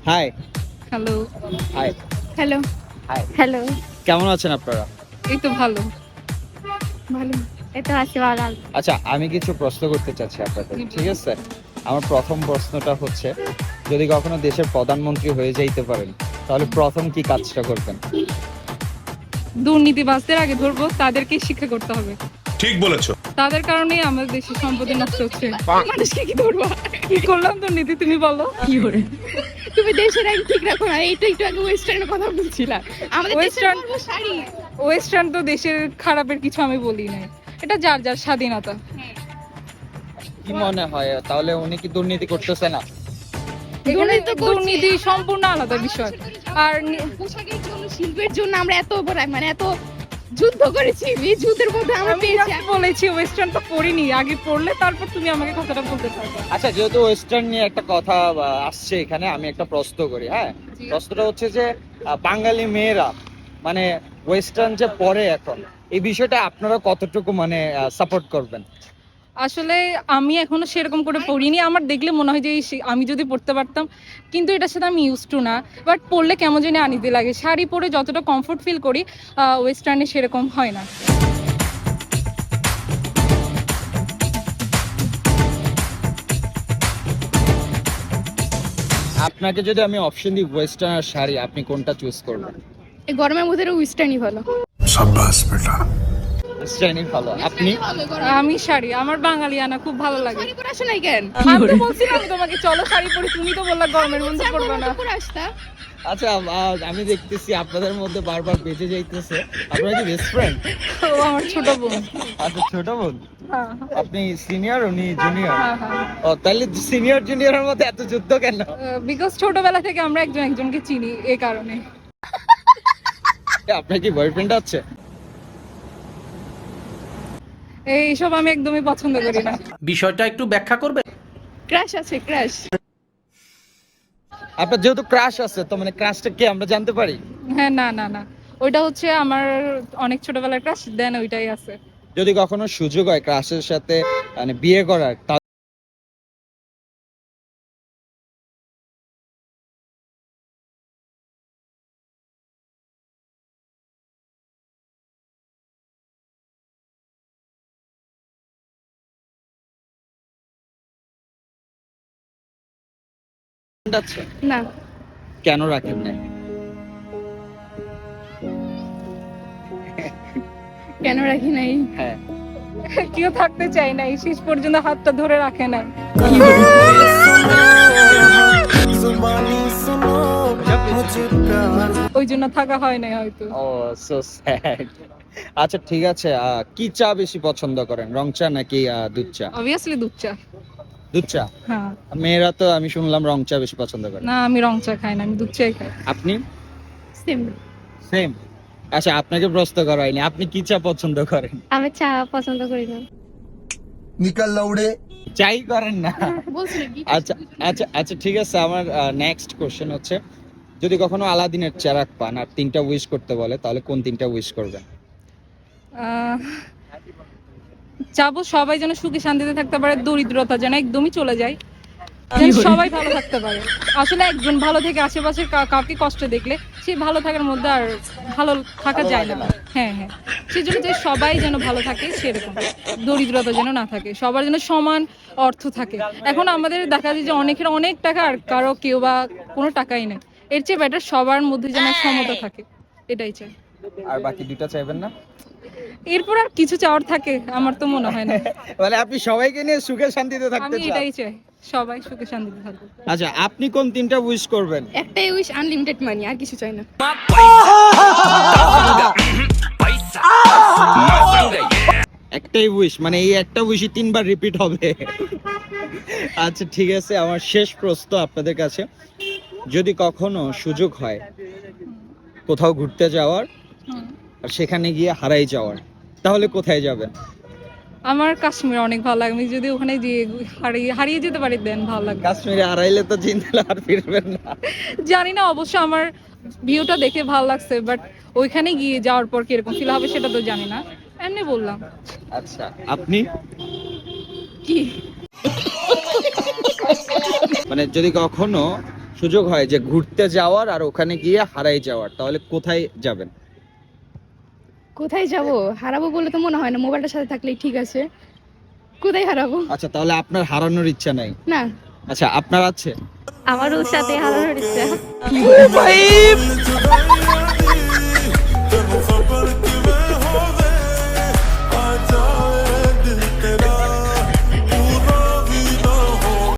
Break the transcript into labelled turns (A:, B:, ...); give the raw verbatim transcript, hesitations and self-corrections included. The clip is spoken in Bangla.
A: High.
B: Hello.
A: Hi.
B: Hello.
A: Hi.
B: Hello.
A: কেমন আছেন আপনারা?
B: এই তো ভালো। ভালো। এই তো আছি ভালো।
A: আচ্ছা, আমি কিছু প্রশ্ন করতে চাচ্ছি আপনাদের, ঠিক আছে? আমার প্রথম প্রশ্নটা হচ্ছে, যদি কখনো দেশের প্রধানমন্ত্রী হয়ে যাইতে পারেন, তাহলে প্রথম কি কাজটা করবেন?
B: দুর্নীতিবাজদের আগে ধরবো, তাদেরকে শিক্ষা করতে হবে।
C: ঠিক বলেছো।
B: তাদের কারণেই আমাদের দেশের সম্পত্তি নষ্ট হচ্ছে। মানুষকে কি ধরবা? কি করলাম দুর্নীতি, তুমি বলো?
D: কি করে তুমি দেশের আইন ঠিক রাখো না। এইটা একটু আগে ওয়েস্টার্নের কথা বলছিলা। আমাদের দেশের
B: ওয়েস্টার্ন
D: পর্ব শাড়ি।
B: ওয়েস্টার্ন তো দেশের খারাপের কিছু আমি বলি নাই, এটা যার যার স্বাধীনতা।
A: কি মনে হয় তাহলে উনি কি দুর্নীতি করতেছে না?
B: এখানে
D: দুর্নীতি তো করছে।
B: দুর্নীতি সম্পূর্ণ আলাদা বিষয়। আর নি-
D: পোশাকের জন্য, শিল্পের জন্য আমরা এত বড় মানে এত যুদ্ধ করেছি। এই যুদ্ধের মধ্যে আমরা
B: আমি
D: পেয়েছি।
B: just বলেছি ওয়েস্টার্ন তো পড়িনি, আগে পড়লে তারপর তুমি আমাকে কথাটা বলতে পারবে।
A: আচ্ছা, যেহেতু ওয়েস্টার্ন নিয়ে একটা কথা আহ, আসছে এখানে, আমি একটা প্রশ্ন করি। হ্যাঁ, প্রশ্নটা হচ্ছে যে আহ, বাঙালি মেয়েরা মানে ওয়েস্টার্ন যে পরে এখন, এই বিষয়টা আপনারা কতটুকু মানে সাপোর্ট করবেন?
B: আসলে আমি এখনো সেরকম করে পড়িনি, আমার দেখলে মনে হয় যে এই সে- আমি যদি পড়তে পারতাম, কিন্তু এটার সাথে আমি ইউজ টু না। বাট পড়লে কেমন জানি আনিতে লাগে, শাড়ি পরে যতটা কমফোর্ট ফিল করি ওয়েস্টার্নে সেরকম হয় না।
A: আপনাকে যদি আমি অপশন দিই ওয়েস্টার্ন আর শাড়ি, আপনি কোনটা চুজ করবেন?
D: এই গরমের মধ্যে ওয়েস্টার্নই ভালো।
C: সাব্বাস বেটা।
A: ওয়েস্টার্নই ভালো। আপনি?
B: আমি শাড়ি, আমার বাঙালিয়ানা খুব ভালো লাগে।
D: শাড়ি পরে আসো নাই কেন?
B: আমি তো বলছিলাম আমি তোমাকে চলো শাড়ি পরি, তুমি তো বললা গরমের মধ্যে পরবে না।
D: পরে আসতা।
A: আচ্ছা, আহ, আমি দেখতেছি আপনাদের মধ্যে বারবার বেঁচে যাইতেছে। আপনারা কি বেস্ট ফ্রেন্ড?
B: ও আমার ছোট বোন।
A: আচ্ছা, ছোট বোন।
B: হ্যাঁ
A: আপনি সিনিয়র, উনি জুনিয়র?
B: হ্যাঁ হ্যাঁ।
A: ও, তাহলে সিনিয়র জুনিয়রের মধ্যে এত যুদ্ধ কেন?
B: বিকজ ছোটবেলা থেকে আমরা একজন একজনকে চিনি, এই কারণে।
A: আপনার কি বয়ফ্রেন্ড আছে?
B: এইসব আমি একদমই পছন্দ করি না।
E: বিষয়টা একটু ব্যাখ্যা করবে?
D: ক্রাশ আছে, ক্রাশ।
A: আপনার যেহেতু ক্রাশ আছে, তো মানে ক্রাশটা কি আমরা জানতে পারি?
B: হ্যাঁ, না না না, ওইটা হচ্ছে আমার অনেক ছোটবেলার ক্রাশ, দেন ওইটাই আছে।
A: যদি কখনো সুযোগ হয় ক্রাশের সাথে মানে বিয়ে করার, তাহলে আছে?
D: না,
A: কেন রাখেন না?
D: কেন রাখি নাই?
A: হ্যাঁ,
B: কেউ থাকতে চাই নাই, শেষ পর্যন্ত হাতটা ধরে রাখে নাই। ওই জন্য থাকা হয় নাই হয়তো।
A: Oh so sad. আচ্ছা, ঠিক আছে। আহ, কি চা বেশি পছন্দ করেন, রং চা নাকি আহ, দুধ চা?
B: অবভিয়াসলি দুধ চা।
A: দুধ চা?
B: হ্যাঁ।
A: মেয়েরা তো আমি শুনলাম রং চা বেশি পছন্দ করে।
B: না, আমি রং চা খাই না, আমি দুধ চাই খাই।
A: আপনি?
D: সেম।
A: সেম। আচ্ছা, আপনাকে প্রশ্ন করা হয়নি, আপনি কি চা পছন্দ করেন?
D: আমি চা পছন্দ করি না।
C: নিকাল লাউড়ে।
A: চাই করেন না?
D: বলছিলাম কি?
A: আচ্ছা আচ্ছা আচ্ছা, ঠিক আছে। আমার নেক্সট কোশ্চেন হচ্ছে, যদি কখনো আলাদিনের চেরাগ পান আর তিনটা উইশ করতে বলে, তাহলে কোন তিনটা উইশ করবেন?
B: আহ, চাবো সবাই যেন সুখে শান্তিতে থাকতে পারে, দরিদ্রতা যেন একদমই চলে যায়, যেন সবাই ভালো থাকতে পারে। আসলে একজন ভালো থেকে আশেপাশের কা- কাউকে কষ্ট দেখলে সেই ভালো থাকার মধ্যে আর ভালো থাকা যায় না। হ্যাঁ হ্যাঁ, সেই জন্য যে সবাই যেন ভালো থাকে, সেরকম দরিদ্রতা যেন না থাকে, সবার যেন সমান অর্থ থাকে। এখন আমাদের দেখা যায় যে অনেকের অনেক টাকা আর কারো কেউ বা কোনো টাকাই নেই, এর চেয়ে বেটার সবার মধ্যে যেন সমতা থাকে, এটাই চাই।
A: আর বাকি দুইটা চাইবেন না?
B: এরপর আর কিছু চাওয়ার থাকে আমার তো মনে হয় না।
A: মানে আপনি সবাইকে নিয়ে সুখে শান্তিতে থাকতে
B: আমি
A: চান?
B: এটাই চাই, সবাই সুখে শান্তিতে থাকবে।
A: আচ্ছা, আপনি কোন তিনটা উইশ করবেন?
D: একটাই উইশ, আনলিমিটেড মানি, আর কিছু চাই না।
A: একটাই উইশ, মানে এই একটা উইশই তিনবার রিপিট হবে? আচ্ছা, ঠিক আছে। আমার শেষ প্রশ্ন আপনাদের কাছে, যদি কখনো সুযোগ হয় কোথাও ঘুরতে যাওয়ার
B: হুম।
A: আর সেখানে গিয়ে হারাই যাওয়ার, তাহলে কোথায় যাবেন?
B: আমার কাশ্মীর অনেক ভালো লাগে, আমি যদি ওখানে গিয়ে হারিয়ে হারিয়ে যেতে পারি দেন ভালো লাগবে।
A: কাশ্মীরে হারাইলে তো চিন্তা আর ফিরবেন না।
B: জানি না, অবশ্য আমার ভিউটা দেখে ভালো লাগছে, বাট ওইখানে গিয়ে যাওয়ার পর কিরকম ফিল হবে সেটা তো জানি না, এমনি বললাম।
A: আচ্ছা, আপনি?
D: কি?
A: মানে যদি কখনো সুযোগ হয় যে ঘুরতে যাওয়ার আর ওখানে গিয়ে হারাই যাওয়ার, তাহলে কোথায় যাবেন?
D: কোথায় যাব? হারাবো বলে তো মনে হয় না, মোবাইলটার সাথে থাকলেই ঠিক আছে। কোথায় হারাবো?
A: আচ্ছা, তাহলে আপনার হারানোর ইচ্ছা নাই?
D: না।
A: আচ্ছা, আপনার আছে?
E: আমারও সাথে হারানোর ইচ্ছা।